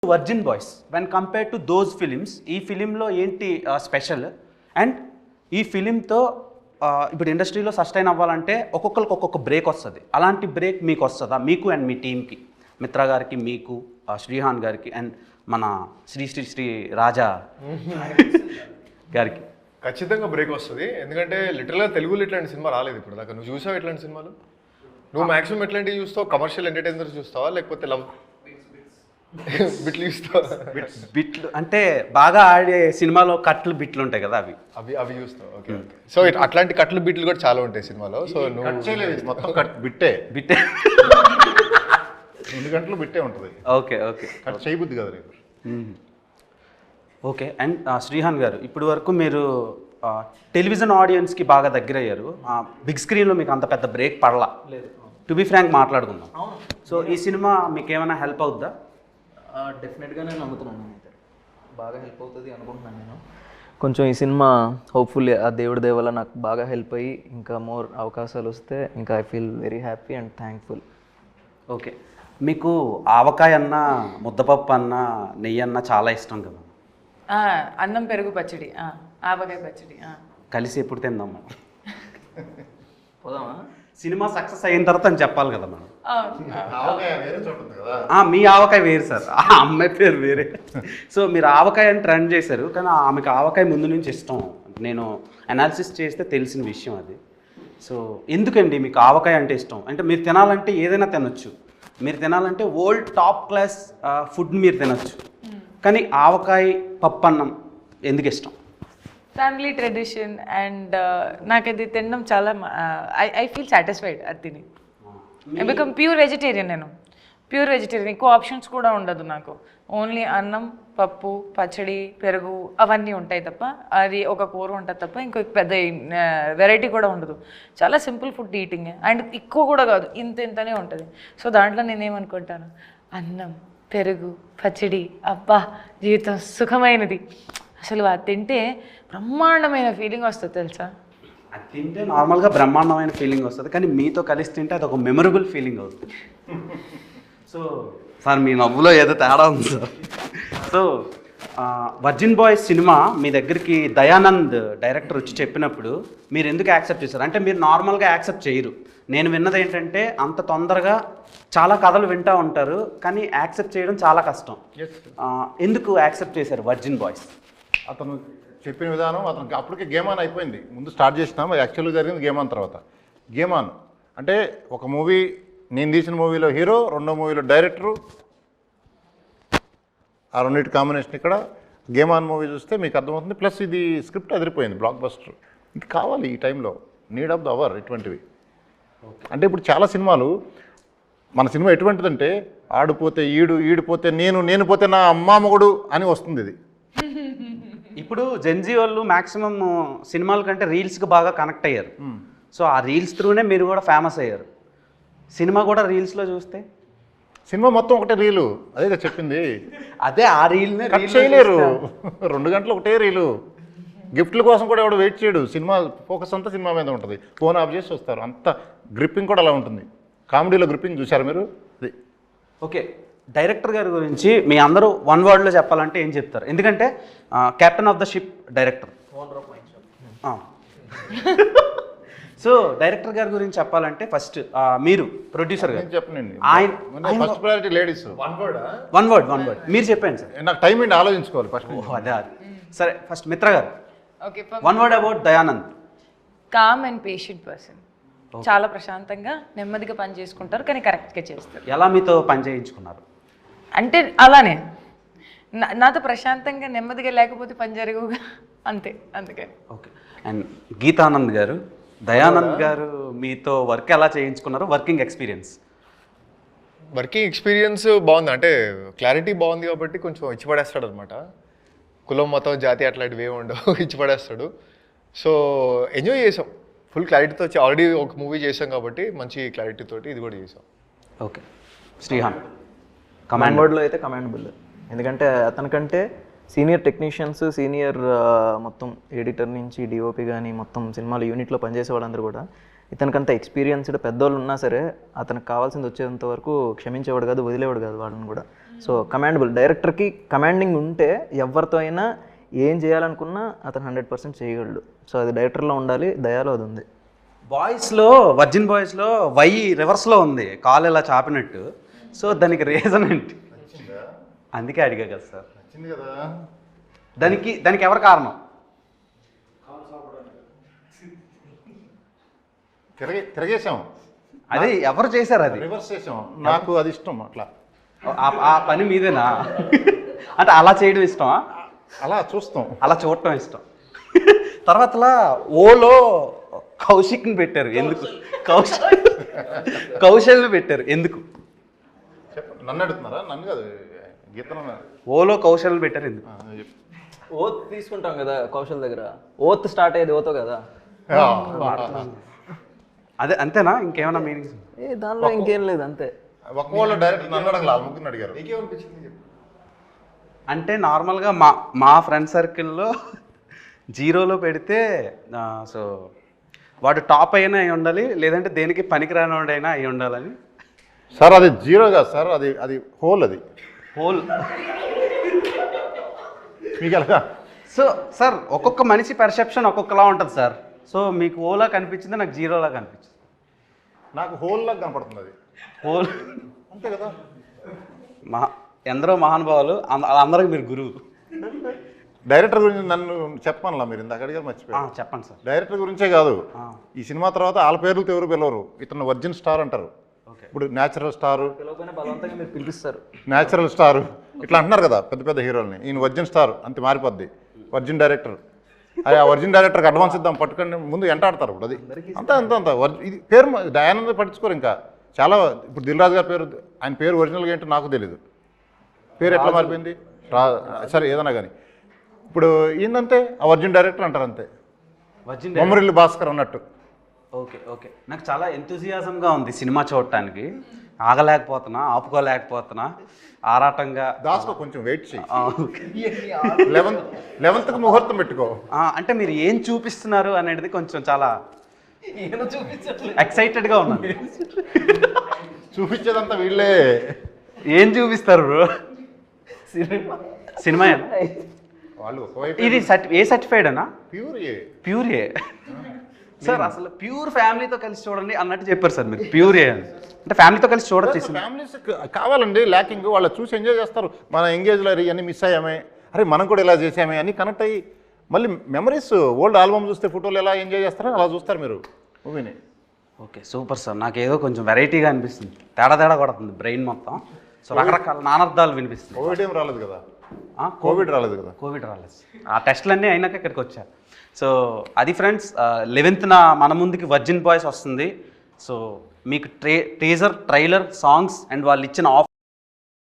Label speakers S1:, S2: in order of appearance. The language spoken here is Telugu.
S1: Virgin boys when compare to those films ఈ ఫిలింలో ఏంటి స్పెషల్ అండ్ ఈ ఫిలింతో ఇప్పుడు ఇండస్ట్రీలో సస్టైన్ అవ్వాలంటే ఒక్కొక్కరికి ఒక్కొక్క బ్రేక్ వస్తుంది. అలాంటి బ్రేక్ మీకు వస్తుందా, మీకు అండ్ మీ టీంకి, మిత్ర గారికి, మీకు, శ్రీహాన్ గారికి అండ్ మన శ్రీ శ్రీ శ్రీ రాజా గారికి?
S2: ఖచ్చితంగా బ్రేక్ వస్తుంది. ఎందుకంటే లిటరల్గా తెలుగులో ఇట్లాంటి సినిమా రాలేదు ఇప్పుడు దాకా. నువ్వు చూసావు ఇట్లాంటి సినిమాలు? నువ్వు మాక్సిమం ఎట్లాంటివి చూస్తావు? కమర్షియల్ ఎంటర్టైనర్ చూస్తావా లేకపోతే లవ్ బిట్లు చూస్తావా?
S1: బిట్లు అంటే బాగా ఆడే సినిమాలో కట్లు బిట్లు ఉంటాయి కదా, అవి
S2: అవి అవి చూస్తావు. Okay okay. సో అట్లాంటి కట్లు బిట్లు కూడా చాలా ఉంటాయి సినిమాలో. సో నువ్వు
S3: మొత్తం బిట్టే
S1: బిట్టే
S3: 2 గంటలు బిట్టే ఉంటుంది.
S1: ఓకే ఓకే,
S3: కట్ చేయబుద్ది కదా నీకు.
S1: ఓకే. అండ్ శ్రీహాన్ గారు, ఇప్పటి వరకు మీరు టెలివిజన్ ఆడియన్స్కి బాగా దగ్గర అయ్యారు. బిగ్ స్క్రీన్లో మీకు అంత పెద్ద బ్రేక్ పడలా. టు బి ఫ్రాంక్ మాట్లాడుకుందాం. సో ఈ సినిమా మీకు ఏమైనా హెల్ప్ అవుద్దా?
S4: డెఫినెట్గా నేను నమ్ముతున్నాను. అయితే బాగా హెల్ప్ అవుతుంది అనుకుంటున్నాను నేను. కొంచెం ఈ సినిమా హోప్ఫుల్లీ ఆ దేవుడి దయ వల్ల నాకు బాగా హెల్ప్ అయ్యి ఇంకా మోర్ అవకాశాలు వస్తే ఇంకా I feel very happy and thankful.
S1: Okay. మీకు ఆవకాయ అన్న, ముద్దపప్పు అన్న, నెయ్యి అన్న చాలా ఇష్టం కదా?
S5: అన్నం పెరుగు పచ్చడి, ఆవకాయ పచ్చడి
S1: కలిసి ఎప్పుడు తిందాం మనం?
S4: పోదామా?
S1: సినిమా సక్సెస్ అయిన తర్వాత అని చెప్పాలి కదా మనం.
S3: వేరే చోట ఉంది కదా.
S1: మీ ఆవకాయ వేరు సార్, ఆ అమ్మాయి పేరు వేరే. సో మీరు ఆవకాయ అని ట్రెండ్ చేశారు, కానీ ఆమెకు ఆవకాయ ముందు నుంచి ఇష్టం. నేను అనాలిసిస్ చేస్తే తెలిసిన విషయం అది. సో ఎందుకండి మీకు ఆవకాయ అంటే ఇష్టం? అంటే మీరు తినాలంటే ఏదైనా తినొచ్చు, మీరు తినాలంటే ఓల్డ్ టాప్ క్లాస్ ఫుడ్ మీరు తినొచ్చు, కానీ ఆవకాయ పప్పు అన్నం ఎందుకు ఇష్టం?
S5: ఫ్యామిలీ ట్రెడిషన్ అండ్ నాకు అది తినడం చాలా ఐ ఫీల్ సాటిస్ఫైడ్ అది తిని. I become pure vegetarian. నేను ప్యూర్ వెజిటేరియన్. ఎక్కువ ఆప్షన్స్ కూడా ఉండదు నాకు. ఓన్లీ అన్నం, పప్పు, పచ్చడి, పెరుగు అవన్నీ ఉంటాయి తప్ప, అది ఒక కూర ఉంటుంది తప్ప ఇంకొక పెద్ద వెరైటీ కూడా ఉండదు. చాలా సింపుల్ ఫుడ్ ఈటింగ్ అండ్ ఎక్కువ కూడా కాదు, ఇంతనే ఉంటుంది. సో దాంట్లో నేనేమనుకుంటాను, అన్నం, పెరుగు, పచ్చడి, అబ్బా జీవితం సుఖమైనది. అసలు అది తింటే బ్రహ్మాండమైన ఫీలింగ్ వస్తుంది తెలుసా?
S1: అది తింటే నార్మల్గా బ్రహ్మాండమైన ఫీలింగ్ వస్తుంది, కానీ మీతో కలిసి తింటే అది ఒక మెమరబుల్ ఫీలింగ్ అవుతుంది. సో సార్ మీ నవ్వులో ఏదో తేడా ఉంది sir. So virgin boys cinema మీ దగ్గరికి దయానంద్ డైరెక్టర్ వచ్చి చెప్పినప్పుడు మీరు ఎందుకు యాక్సెప్ట్ చేశారు? అంటే మీరు నార్మల్గా యాక్సెప్ట్ చేయరు. నేను విన్నది ఏంటంటే అంత తొందరగా చాలా కథలు వింటూ ఉంటారు, కానీ యాక్సెప్ట్ చేయడం చాలా కష్టం. ఎందుకు యాక్సెప్ట్ చేశారు వర్జిన్ బాయ్స్?
S3: అతను చెప్పిన విధానం అతనికి అప్పటికే గేమ్ ఆన్ అయిపోయింది. ముందు స్టార్ట్ చేసినాం, యాక్చువల్గా జరిగింది గేమ్ ఆన్ తర్వాత. గేమ్ ఆన్ అంటే ఒక మూవీ, నేను తీసిన మూవీలో హీరో, రెండో మూవీలో డైరెక్టరు, ఆ రెండింటి కాంబినేషన్. ఇక్కడ గేమ్ ఆన్ మూవీ చూస్తే మీకు అర్థమవుతుంది. ప్లస్ ఇది స్క్రిప్ట్ అదిరిపోయింది, బ్లాక్ బస్టర్. ఇది కావాలి ఈ టైంలో, నీడ్ ఆఫ్ ద అవర్ ఇటువంటివి. అంటే ఇప్పుడు చాలా సినిమాలు, మన సినిమా ఎటువంటిదంటే ఆడిపోతే ఈడు, ఈడిపోతే నేను, నేను పోతే నా అమ్మా మొగుడు అని వస్తుంది. ఇది
S1: ఇప్పుడు జెన్జీ వాళ్ళు మ్యాక్సిమం సినిమాల కంటే రీల్స్కి బాగా కనెక్ట్ అయ్యారు. సో ఆ రీల్స్ త్రూనే మీరు కూడా ఫేమస్ అయ్యారు. సినిమా కూడా రీల్స్లో చూస్తే
S3: సినిమా మొత్తం ఒకటే రీలు, అదే కదా చెప్పింది.
S1: అదే ఆ రీల్నే
S3: కట్ చేయలేరు. 2 గంటలు ఒకటే రీలు. గిఫ్ట్ల కోసం కూడా ఎవడు వెయిట్ చేయడు. సినిమా ఫోకస్ అంతా సినిమా మీద ఉంటుంది. ఫోన్ ఆఫ్ చేసి వస్తారు. అంత గ్రిప్పింగ్ కూడా అలా ఉంటుంది. కామెడీలో గ్రిప్పింగ్ చూసారు మీరు? అది
S1: ఓకే. డైరెక్టర్ గారి గురించి మీ అందరూ 1 వర్డ్లో చెప్పాలంటే ఏం చెప్తారు? ఎందుకంటే captain of the ship director. So director గారి గురించి చెప్పాలంటే ఫస్ట్ మీరు ప్రొడ్యూసర్ గారు
S3: చెప్పనండి.
S1: First
S3: priority ladies.
S1: 1 వర్డ్ మీరు చెప్పండి సార్.
S3: నాకు టైం ఏంటి ఆలోచించుకోవాలి ఫస్ట్.
S1: అదే సరే, ఫస్ట్ మిత్ర గారు.
S5: Okay.
S1: 1 word about Dayanand.
S5: Calm and patient person. చాలా ప్రశాంతంగా నెమ్మదిగా పని చేసుకుంటారు, కానీ కరెక్ట్గా చేస్తారు.
S1: ఎలా మీతో పని చేయించుకున్నారు?
S5: అంటే అలానే నాతో ప్రశాంతంగా నెమ్మదిగా లేకపోతే పని జరగవుగా, అంతే. అందుకే.
S1: ఓకే. అండ్ గీతానంద్ గారు, దయానంద్ గారు మీతో వర్క్ ఎలా చేయించుకున్నారు? వర్కింగ్ ఎక్స్పీరియన్స్
S2: బాగుంది. అంటే క్లారిటీ బాగుంది కాబట్టి కొంచెం ఇచ్చిపడేస్తాడు అనమాట. కులం, మతం, జాతి అట్లాంటివి ఏమి ఉండవు, ఇచ్చిపడేస్తాడు. సో ఎంజాయ్ చేసాం ఫుల్ క్లారిటీతో. ఆల్రెడీ ఒక మూవీ చేసాం కాబట్టి మంచి క్లారిటీ తోటి ఇది కూడా చేసాం.
S1: ఓకే. శ్రీహాన్.
S4: కమాండ్ వర్డ్లో అయితే కమాండబుల్. ఎందుకంటే అతనికంటే సీనియర్ టెక్నీషియన్స్, సీనియర్ మొత్తం ఎడిటర్ నుంచి డిఓపి కానీ మొత్తం సినిమాలు యూనిట్లో పనిచేసే వాళ్ళందరూ కూడా ఇతనికంత ఎక్స్పీరియన్స్డ్ పెద్దోళ్ళు ఉన్నా సరే అతనికి కావాల్సింది వచ్చేంత వరకు క్షమించేవాడు కాదు, వదిలేవాడు కాదు వాళ్ళని కూడా. సో కమాండబుల్, డైరెక్టర్కి కమాండింగ్ ఉంటే ఎవరితో అయినా ఏం చేయాలనుకున్నా అతను 100% చేయగలడు. సో అది డైరెక్టర్లో ఉండాలి, దయాలో అది ఉంది.
S1: బాయ్స్లో వర్జిన్ బాయ్స్లో వై రివర్స్లో ఉంది, కాలు ఇలా చాపినట్టు. సో దానికి రీజన్ ఏంటి? అందుకే అడిగా కదా సార్.
S3: వచ్చింది కదా,
S1: దానికి ఎవరు కారణం?
S3: తిరగేసాం,
S1: అది ఎవరు చేశారు? అది
S3: రివర్స్ చేసాం. నాకు అది ఇష్టం అట్లా.
S1: ఆ పని మీదేనా? అంటే అలా చేయడం ఇష్టమా?
S3: అలా చూస్తాం,
S1: అలా చూడటం ఇష్టం. తర్వాతలా ఓలో కౌశిక్ని పెట్టారు ఎందుకు? కౌశల్ని పెట్టారు ఎందుకు?
S3: చెప్పండి. నన్ను అడుగుతున్నారా? నన్ను కాదు, గీతను.
S1: ఓలో కౌశల్ని పెట్టారు ఎందుకు?
S4: ఓత్ తీసుకుంటాం కదా కౌశల్ దగ్గర, ఓత్ స్టార్ట్ అయ్యేది ఓతో కదా.
S1: అదే అంతేనా? ఇంకేమైనా మీనింగ్స్?
S4: దానిలో ఇంకేం లేదు, అంతే.
S3: ఒక్కవాళ్ళు డైరెక్ట్ నన్ను అడగల, ముగ్గురిని అడిగారు.
S1: అంటే నార్మల్గా మా ఫ్రెండ్ సర్కిల్లో జీరోలో పెడితే సో వాడు టాప్ అయినా అయి ఉండాలి, లేదంటే దేనికి పనికిరాని వాడైనా అయి ఉండాలని.
S3: సార్ అది జీరో కాదు సార్, అది హోల్. అది
S1: హోల్.
S3: మీకు ఎలాగా?
S1: సో సార్ ఒక్కొక్క మనిషి పర్సెప్షన్ ఒక్కొక్కలా ఉంటుంది సార్. సో మీకు ఓలా కనిపించింది, నాకు జీరోలా కనిపించింది.
S3: నాకు హోల్ లాగా కనపడుతుంది అది.
S1: హోల్
S3: అంతే కదా.
S1: ఎందరో మహానుభావులు, అందరికి మీరు గురువు.
S3: డైరెక్టర్ గురించి నన్ను చెప్పానులా, మీరు ఇందాక అడిగారు, మర్చిపోయారు.
S1: చెప్పండి సార్.
S3: డైరెక్టర్ గురించే కాదు, ఈ సినిమా తర్వాత వాళ్ళ పేర్లతో ఎవరు పిలవరు. ఇతను వర్జిన్ స్టార్ అంటారు. ఇప్పుడు న్యాచురల్ స్టారు,
S4: బలవంతంగా మీరు పిలిపిస్తారు.
S3: న్యాచురల్ స్టారు ఇట్లా అంటున్నారు కదా పెద్ద పెద్ద హీరోల్ని. ఈయన వర్జిన్ స్టార్ అంతే మారిపోద్ది. వర్జిన్ డైరెక్టర్, ఆ వర్జిన్ డైరెక్టర్కి అడ్వాన్స్ ఇద్దాం పట్టుకొని ముందు ఎంటాడతారు. ఇప్పుడు అది అంత ఇది పేరు దయానంద పట్టించుకోరు. ఇంకా చాలా ఇప్పుడు దిల్ రాజు గారి పేరు, ఆయన పేరు ఒరిజినల్గా ఏంటో నాకు తెలీదు. పేరు ఎట్లా మారిపోయింది సరే ఏదన్నా కానీ. ఇప్పుడు ఏంటంతే ఆ వర్జిన్ డైరెక్టర్ అంటారు అంతే,
S1: వర్జిన్
S3: బొమ్మరిల్లు భాస్కర్ అన్నట్టు.
S1: ఓకే నాకు చాలా ఎంతూజియాజంగా ఉంది సినిమా చూడటానికి. ఆగలేకపోతున్నా, ఆపుకోలేకపోతున్నా, ఆరాటంగా.
S3: దాసుకో, కొంచెం వెయిట్ చేయి. 11th ముహూర్తం పెట్టుకో.
S1: అంటే మీరు ఏం చూపిస్తున్నారు అనేది కొంచెం చాలా ఎక్సైటెడ్గా ఉన్నాను.
S3: చూపించేదంతా వీళ్ళే.
S1: ఏం చూపిస్తారు బ్రో? సినిమా
S3: వాళ్ళు ఒకవైపు
S1: ఇది ఏ సర్టిఫైడ్ అన్నా? Pure A sir. అసలు ప్యూర్ ఫ్యామిలీతో కలిసి చూడండి అన్నట్టు చెప్పారు సార్ మీరు. ప్యూర్ ఏ అంటే ఫ్యామిలీతో కలిసి చూడొచ్చు.
S3: ఫ్యామిలీస్ కావాలండి, ల్యాకింగ్ వాళ్ళు చూసి ఎంజాయ్ చేస్తారు. మన ఎంగేజ్లో అన్నీ మిస్ అయ్యామే, అరే మనం కూడా ఇలా చేసామే అని కనెక్ట్ అయ్యి మళ్ళీ మెమరీస్, ఓల్డ్ ఆల్బమ్ చూస్తే ఫోటోలు ఎలా ఎంజాయ్ చేస్తారో అలా చూస్తారు మీరు మూవీని.
S1: Okay super sir. నాకేదో కొంచెం వెరైటీగా అనిపిస్తుంది, తేడా కొడుతుంది బ్రెయిన్ మొత్తం. సో రకరకాల నానార్థాలు వినిపిస్తుంది.
S3: కోవిడ్ ఏం రాలేదు కదా? కోవిడ్ రాలేదు కదా?
S1: కోవిడ్ రాలేదు. ఆ టెస్టులన్నీ అయినాక ఇక్కడికి వచ్చారు. సో అది ఫ్రెండ్స్, 11th మన ముందుకి వర్జిన్ బాయ్స్ వస్తుంది. సో మీకు టీజర్, ట్రైలర్, సాంగ్స్ అండ్ వాళ్ళు ఇచ్చిన ఆఫర్